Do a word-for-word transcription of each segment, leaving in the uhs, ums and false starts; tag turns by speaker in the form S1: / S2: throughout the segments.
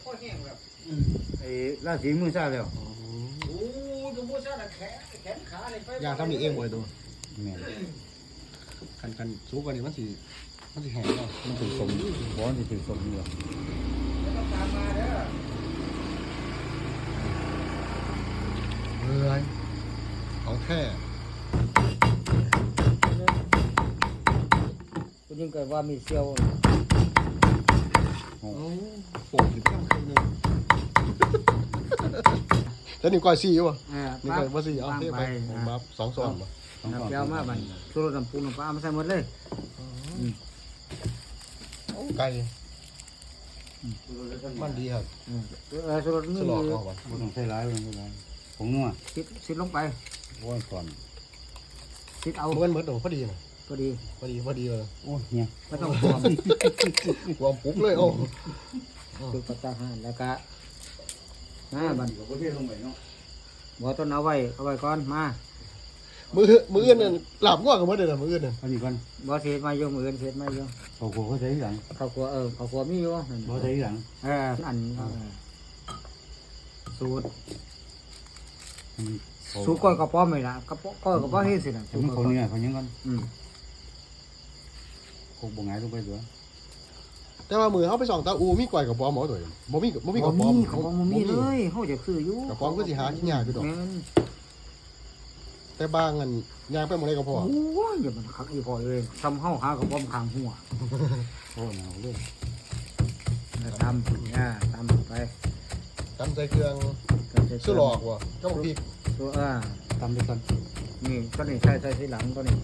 S1: โคตรแห้งแบบ
S2: ไอ้ราศีมือซ่าแล้ว
S1: โอ้ดูมือซ่าแขนแขนขาเลย
S3: ยางทำนี่เองบ่อยตัว
S2: แม่น
S3: คันคันสูงกว่านี้มันสิมันสิแห้งเนาะ
S2: มันถือสมบ่มันถือสมอยู่
S1: แล้วก็ตามมาเด้อ
S3: เฮ้ยของแท้
S1: คุณยิ่งเกิดว่ามีเซียว
S3: โอ้โป่งอยู่ข้างๆนึงแล้วนี่ก้อยซี่อยู่ป่ะ
S1: อ่า
S3: นี่ก้อยบ่ซี่เอาเทไปผมบับสองซองป่ะ
S2: ต้องก่อน
S1: เซียวมาบันสุรน้ำปูน้ำปลามาใส่หมดเลย
S3: ไก่มันดีครับ
S1: เออสุรนี่
S3: สลอกเอาป่ะ
S2: บ่ต้องใส่หลายบ่ต้องใส่หลายผงนัว
S1: สิสิลงไป
S2: โอ้ยก่อน
S1: สิเอา
S3: มันเหมือนพอดีนะ
S1: พอดี
S3: พอดีพอดีเลย
S2: โอ้ยเนี่ย
S1: ไม่ต้องกลัว
S3: รวมปุ๊บเลยโอ้
S1: ดูปัตตาหารแล้วก็อ่าบัน
S2: ก็บ่เทลงไปเนาะ
S1: บ่ต้นเอาไว้เอาไว้ก่อนมา
S3: มือมืออื่นน่ะหลับง่วงกันบ่ได้น่ะมืออื่นน่ะ
S2: อันนี้ก่อน
S1: บ่เสียมาอยู่มื้ออื่นเสียมาอยู่
S2: เขาก็เขาใส่หลัง
S1: ข้าวครัวเออข้าวครัวมีอยู่
S2: บ่ใส่หลัง
S1: เอออันสูตร
S2: อืมเขา
S1: สูตรก้อยกระป๋อมไม่ละกระป๋อก้อยกระป๋อมเฮ็ดสิล่ะ
S2: แต่มันเขาเนี่ยเขายังก่อน
S1: อืม
S2: คงบ่หงายลงไปตัว
S3: แต่ว่ามือเขาไปส่องตาอูมีก้อยกับปอมหมอตัวบ่มีบ่มี
S1: บ่
S3: กับปอม
S1: มีเขาบ่มีเลยเฮาจะซื้ออยู่
S3: กับปอมก็สิหาที่ยากอยู่ดอก
S1: แม่น
S3: แต่บางอันยางไปหมดเลยก็พอ
S1: โอ้ยอย่ามันคักอีพอเลยทำเฮาหากระป๋อมข้างหัว
S2: โอ้หนาวเลย
S1: แล้วตำอ่าตำไป
S3: ตำใส่เครื่องซื้อหลอกว่ะก็บอกพี่
S1: ตัวอ่า
S2: ตำไปก่อน
S1: นี่ตัวนี้ใส่ใส่ทีหลังตัวนี้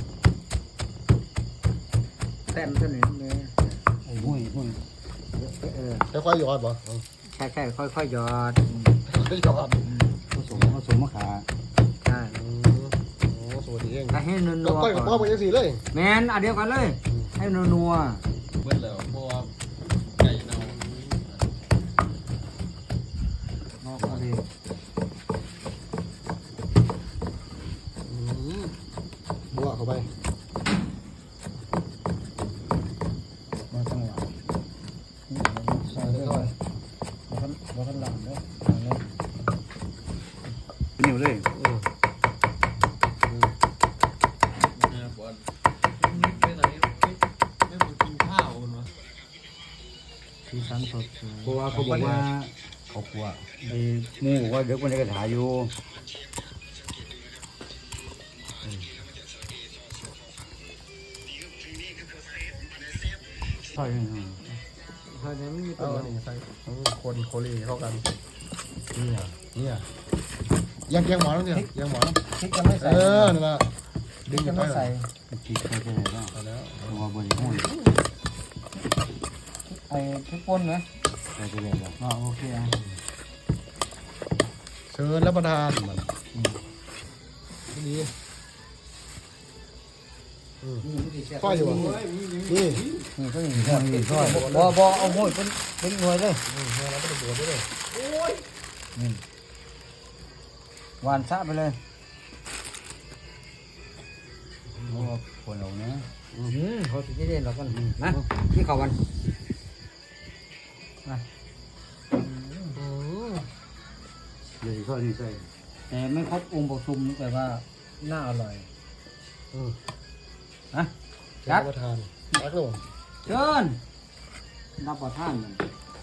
S1: แต้มตัวนี้นี่
S2: ไอ้ห้วยห้วย
S1: เออ
S3: ค่อยๆหยอดบ่
S1: ใช่ใช่ค่อยๆหยอด
S3: ค่อยๆหยอด
S2: ผสมผสมมะขา
S1: ใช่
S3: อืมโอ้สวัสดีเอง
S1: ถ้าให้นั
S3: ก็
S1: ว
S3: ก้อยกับปอมกันจังซี่เลย
S1: แมนอันเดียวกันเลย ให้นัว
S3: เบิ่แล้วเพราะว่าไก่เน่า
S1: ๆนอกก็ดี
S3: อืมบัวเข้าไป
S1: มาทั้งหลังใส่เลยมาทั้งมาทั้งหลังเลยหลังเลย
S2: นิ่วเลย
S3: อืม
S1: สีสันสด
S2: เพราะว่าเขาบอกว่าเขากลัวไอ้หมูบอกว่าเด็กมันจะกระถาอยู่ใช่
S1: ใช่ไหมไม่มีตั
S3: เอา
S1: ว
S3: อันนี้ใส่อืมคนโคลีเข้ากัน
S2: นี่อ่ะ
S3: เนี่ยยังยังหมอแล้วเนี่ยยังหมอแล้ว
S1: พริกยังไม่
S3: เอ
S1: ใส่
S3: อนั่นล่ะ
S1: พริกยังไม่ใส่
S2: จีบเขาจะไหนบ้าง
S3: เอาแล้ว
S2: เพราะว่าบริโภค
S1: ไอ้พริกป่นไหม
S2: เขาจะไหนบ้าง
S1: อ๋อโอเคอ่ะ
S3: เชิญรับประทานมันนี่อืมฝ้ายอยู่บ่นี่
S1: นี่ก็นี่ก็นี่ก็บ่บ่เอาห้อยเป็นเป็นหน่วยเลย
S3: อืมเราไม่ต้องบวชด้วย
S1: หวานซะไปเลย
S2: เพราะว่าคนเราเนี่ย
S1: อืมเขาสิได้เรากันนะที่เขาวันมา
S3: อืม
S2: เดี๋ยวเขานี่ใส่
S1: แต่ไม่ครบองค์ประชุมแต่ว่าน่าอร่อย
S3: อืม
S1: ฮะ
S3: เชิญรับประทานรักเลย
S1: เชิญรับประทานมัน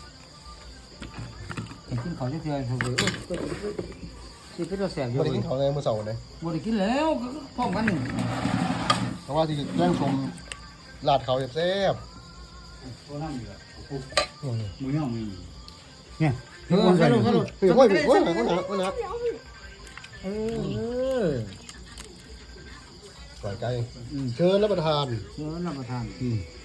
S1: เห็นกินเขาจะเทือนเขาเลยที่เป็นตัวแสบอยู่
S3: ไม่ได้กินข้าวในมื้อเสาร์เลย
S1: บ่ได้กินแล้วก็พร้อมกันนี่
S3: เพราะว่าที่แย่งชมลาดเขาแซ่บ
S2: ตัวนั่งอยู่อ่ะ
S3: ๆอืม
S2: มือย่อมมีเนี่ย
S1: เออสนุกสนุก
S3: เฮ้ยโอ้ยโอ้ยโอ้ยโอ้ยโอ้ย
S1: เออ
S3: ก่อยไก่เชิญรับประทาน
S1: เชิญรับประทาน
S2: อืม
S3: อ